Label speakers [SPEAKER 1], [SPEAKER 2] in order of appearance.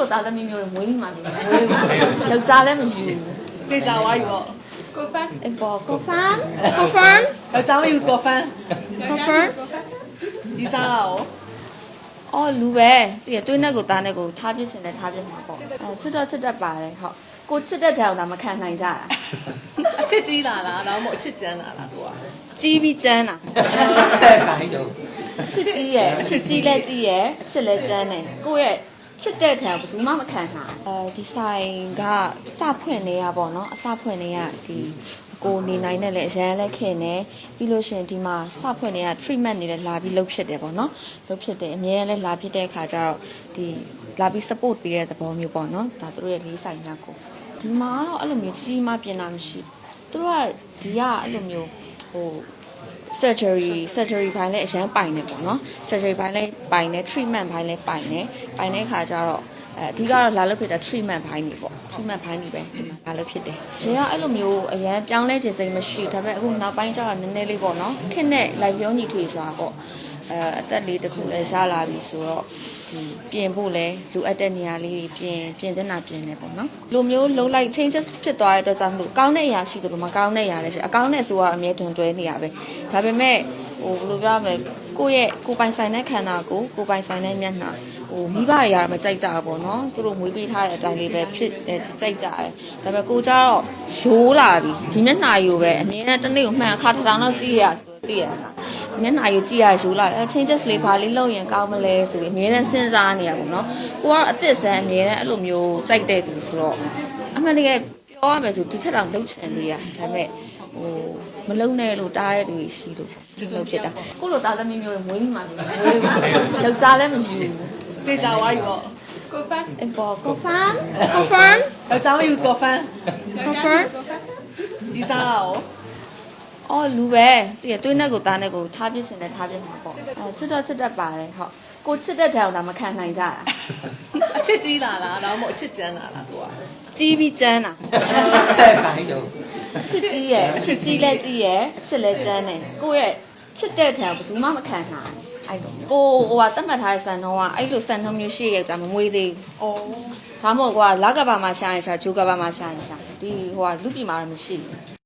[SPEAKER 1] လိုသားသမီးမျိုးမွေးမိမှနေမွေးယောက်ျားလည်းမယူတေချာဝါယူတော့
[SPEAKER 2] confirm
[SPEAKER 1] အပေါ် confirm confirm
[SPEAKER 2] ယောက်ျားမယူ confirm
[SPEAKER 1] confirm
[SPEAKER 2] ဒီစားရော
[SPEAKER 1] အော်လူပဲတည်သွေးနဲ့ကိုသားနဲ့ကိုထားပြစ်စင်နဲ့ထားပြစ်မှာပေါ့ချစ်တော့ချစ်တတ်ပါတယ်ဟုတ်ကိုချစ်တဲ့တောင်သာမခံနိုင်ကြတာ
[SPEAKER 2] အချစ်ကြီးလာလားဒါမှမဟုတ်အချစ်ကျန်းလာလားသူက
[SPEAKER 1] ကြီးပြီးကျန်းတာ
[SPEAKER 3] တဲ့ခိုင်းတော့
[SPEAKER 1] ချစ်ကြီးရဲ့ချစ်ကြီးလည်းကြီးရဲ့အချစ်လည်းကျန်းတယ်ကိုယ့်ရဲ့ချစ်တဲ့တောင်ဘယ်သူမှမခံနိုင်ဒီဆိုင်ကစဖွင့်နေရပေါ့နော်အစဖွင့်နေရဒီကိုနေနိုင်တဲ့လေအရန်လက်ခင်နေပြီးလို့ရှင်ဒီမှာစဖွင့်နေရ treatment နေလဲလာပြီးလုပ်ဖြစ်တယ်ပေါ့နော်လုပ်ဖြစ်တယ်အများနဲ့လာဖြစ်တဲ့အခါကျတော့ဒီလာပြီး support ပေးတဲ့သဘောမျိုးပေါ့နော်ဒါတို့ရဲ့လေးဆိုင်ညကိုဒီမှာတော့အဲ့လိုမျိုးကြီးကြီးမှပြင်တာမရှိသူတို့ကဒီကအဲ့လိုမျိုးဟို surgery ဘိုင်းလည်းအရန်ပိုင်နေပေါ့နော် surgery ဘိုင်းလည်းပိုင်နေ treatment ဘိုင်းလည်းပိုင်နေပိုင်တဲ့အခါကျတော့အဓိကတော့လာလို့ဖြစ်တဲ့ treatment ဘိုင်းနေပေါ့ treatment ဘိုင်းနေပဲဒီမှာလာလို့ဖြစ်တယ်။ဒီကအဲ့လိုမျိုးအရန်ပြောင်းလဲခြင်းစိတ်မရှိဒါပေမဲ့အခုနောက်ပိုင်းကျတော့နည်းနည်းလေးပေါ့နော်ခက်နဲ့ live ရောညီထွေဆိုတာပေါ့အသက်လေးတစ်ခုလည်းရလာပြီဆိုတော့ဒီပြင်ဖို့လဲလိုအပ်တဲ့နေရာလေးတွေပြင်တဲ့နာပြင်နေပေါ့နော်။လိုမျိုးလုံးလိုက် changes ဖြစ်သွားတဲ့အတွက်ကြောင့်မို့ကောင်းတဲ့အရာရှိတယ်လို့မကောင်းတဲ့အရာလည်းရှိအကောင်းတဲ့ဆိုတာအမြဲတွင်တွဲနေရပဲ။ဒါပေမဲ့ဟိုဘယ်လိုပြောရမလဲကိုယ့်ရဲ့ကိုယ်ပိုင်ဆိုင်တဲ့ခန္ဓာကိုယ်ပိုင်ဆိုင်တဲ့မျက်နှာဟိုမိဘတွေကတော့မကြိုက်ကြဘူးပေါ့နော်သူတို့မွေးပေးထားတဲ့အတိုင်းလေးပဲဖြစ်ကြိုက်ကြတယ်ဒါပေမဲ့ကိုကြတော့ရိုးလာပြီဒီမျက်နှာယူပဲအမြင်နဲ့တစ်နေ့ကိုမှန်အခါထောင်တော့ကြည့်ရဆိုသိရလားမျက်နှာယူကြည့်ရရိုးလာchanges လေးဘာလေးလုပ်ရင်ကောင်းမလဲဆိုပြီးအမြင်နဲ့စဉ်းစားနေရပေါ့နော်ကိုကတော့အသစ်ဆန်းအမြင်နဲ့အဲ့လိုမျိုးကြိုက်တဲ့သူဆိုတော့အမှန်တကယ်ပြောရမယ်ဆိုဒီထက်တော့လှုပ်ချင်သေးရဒါပေမဲ့ဟိုမလုံနဲ့လို့တားတဲ့သူရှိလို့ဒီလိုဖြစ်တာကိုလိုသားသမီးမျိုးမွေးမိမှနေမွေးယောက်ျားလည်းမယူ
[SPEAKER 2] တေချာဝါယူတော့
[SPEAKER 3] confirm
[SPEAKER 1] အပေါ် confirm confirm
[SPEAKER 2] ယောက်ျားမယူ confirm
[SPEAKER 1] confirm
[SPEAKER 2] ဒီစားရော
[SPEAKER 1] အော်လူပဲတည်သွေးနဲ့ကိုသားနဲ့ကိုထားပြစ်စင်နဲ့ထားပြစ်မှာပေါ့ချစ်တော့ချစ်တတ်ပါတယ်ဟုတ်ကိုချစ်တဲ့တောင်သာမခံနိုင်ကြတာ
[SPEAKER 2] အချစ်ကြီးလာလားဒါမှမဟုတ်အချစ်ကျန်းလာလားသူက
[SPEAKER 1] ကြီးပြီးကျန်းတာ
[SPEAKER 3] တဲ့ခိုင်းတော့
[SPEAKER 1] ချစ်ကြီးရဲ့ချစ်ကြီးလည်းကြီးရဲ့အချစ်လည်းကျန်းတယ်ကိုယ့်ရဲ့ချစ်တဲ့တောင်ဘယ်သူမှမခံနိုင်အဲ့လိုကိုဟိုကတတ်မှတ်ထားတဲ့စံနှုန်းကအဲ့လိုစံနှုန်းမျိုးရှိရဲ့ကြာမမွေးသေး
[SPEAKER 2] အော်
[SPEAKER 1] ဘူးဒါမှမဟုတ်ကွာလကဘာမှာရှာရင်ရှာဂျိုကဘာမှာရှာရင်ရှာဒီဟိုကလူပြည်မှာတော့မရှိဘူး